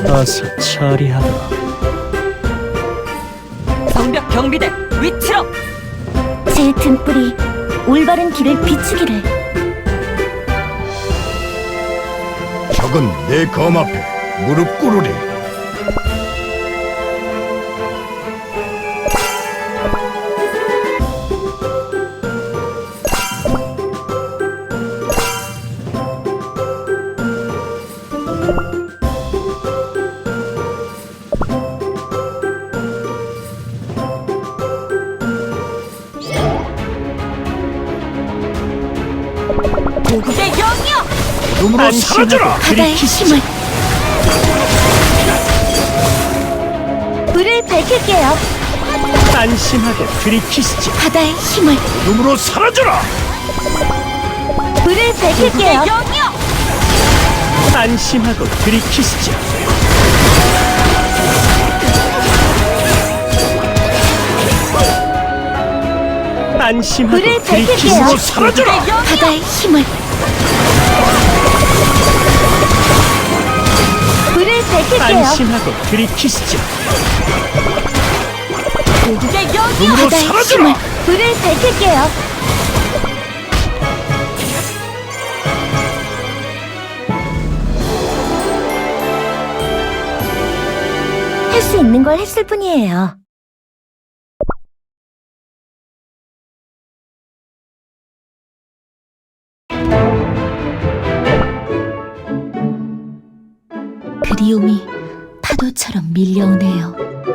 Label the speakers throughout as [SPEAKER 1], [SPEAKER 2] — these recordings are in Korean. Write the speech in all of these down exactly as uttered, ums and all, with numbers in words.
[SPEAKER 1] 어서 처리하라.
[SPEAKER 2] 성벽 경비대 위치로!
[SPEAKER 3] 제 등불이 올바른 길을 비추기를.
[SPEAKER 4] 적은 내 검 앞에 무릎 꿇으리.
[SPEAKER 2] 고국의 영이여!
[SPEAKER 4] 눈으로 사라져라.
[SPEAKER 3] 바다의 힘을. 불을 밝힐게요.
[SPEAKER 1] 안심하게 들이키시지.
[SPEAKER 3] 바다의 힘을.
[SPEAKER 4] 눈으로 사라져라.
[SPEAKER 3] 불을 밝힐게요.
[SPEAKER 2] 영이여!
[SPEAKER 1] 안심하고 들이키시지. 안심하고
[SPEAKER 3] 불을
[SPEAKER 1] 들이키시지.
[SPEAKER 3] 밝힐게요.
[SPEAKER 4] 눈으로 사라져라.
[SPEAKER 3] 바다의 힘을. 불을 밝힐게요.
[SPEAKER 1] 안심하고 들이키시지.
[SPEAKER 2] 고국의 영이여!
[SPEAKER 4] 눈으로
[SPEAKER 3] 바다의 힘을.
[SPEAKER 4] 사라져라.
[SPEAKER 3] 불을 밝힐게요. 할 수 있는 걸 했을 뿐이에요. 그리움이 파도처럼 밀려오네요.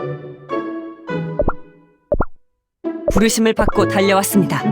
[SPEAKER 2] 부르심을 받고 달려왔습니다.